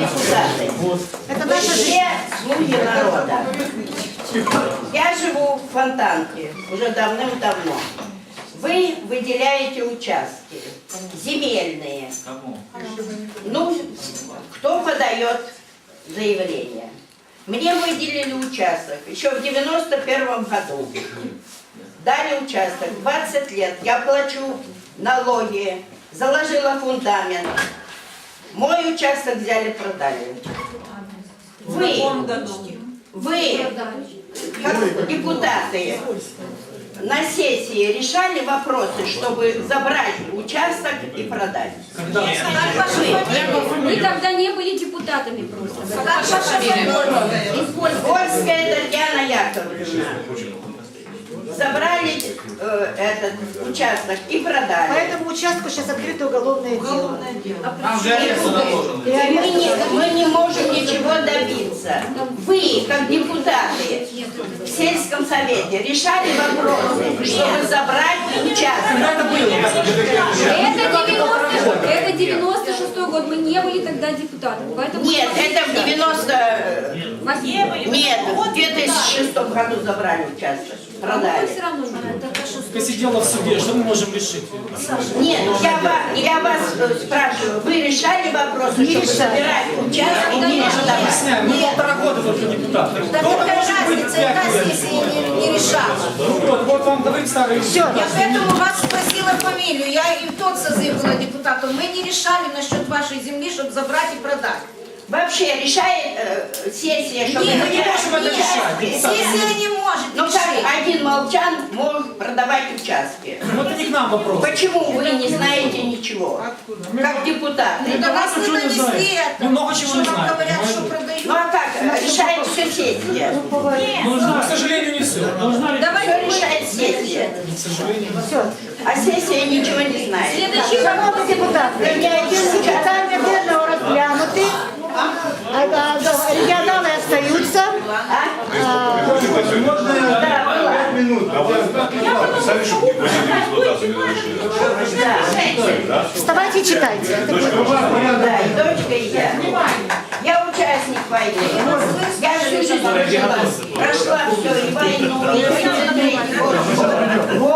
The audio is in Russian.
депутаты. Это Вы наша жизнь. все слуги народа. Я живу в Фонтанке уже давным-давно. Вы выделяете участки земельные. Ну, кто подает заявление? Мне выделили участок еще в 91 году. Дали участок 20 лет. Я плачу налоги, заложила фундамент. Мой участок взяли, продали. Вы, как депутаты, на сессии решали вопросы, чтобы забрать участок и продать? Мы тогда не были депутатами просто. Польская Татьяна Яковлевна. Забрали этот участок и По продали. этому участку сейчас открыто уголовное дело. Мы не можем ничего добиться. Вы, как депутаты в сельском совете, решали вопросы, чтобы забрать участок. Это 96-й год. Мы не были тогда депутатами. Поэтому Нет, это в 90... Нет, в 2006 году забрали участок, продали. все равно Посидела в суде, что мы можем решить? Нет, я вас спрашиваю, вы решали вопросы, чтобы забирать участок и не решали? Объясняем, мы 1,5 года только депутаты. Кто-то может быть не решала. Вот вам давайте старые. Я поэтому вас спросила фамилию. Я и в тот созыв была депутатом. Мы не решали насчет вашей земли, чтобы забрать и продать. Вообще решает сессия, чтобы... Нет, Мы не можем это решать. Сессия не может Ну как решить. один Молчан может продавать участки? Ну это не к нам вопрос. Почему вы не знаете ничего? Как депутаты? До вас не ничего не донесли знаем. это. Мы много чего Что не вам знаем, говорят, что понимаете? продают. Ну а как? Решает все сессия. К сожалению, не все. Все решает сессия. К сожалению. А сессия ничего не знает. Шановні депутати, питання денного розглянути, регіонали остаються. Можно 5 минут, а вы написали, чтобы депозиты эксплуатации не разрешили. Вставайте и читайте. Да, и дочка, и я. Я участник войны. Я всю жизнь прошла все, и войну, и 33 год.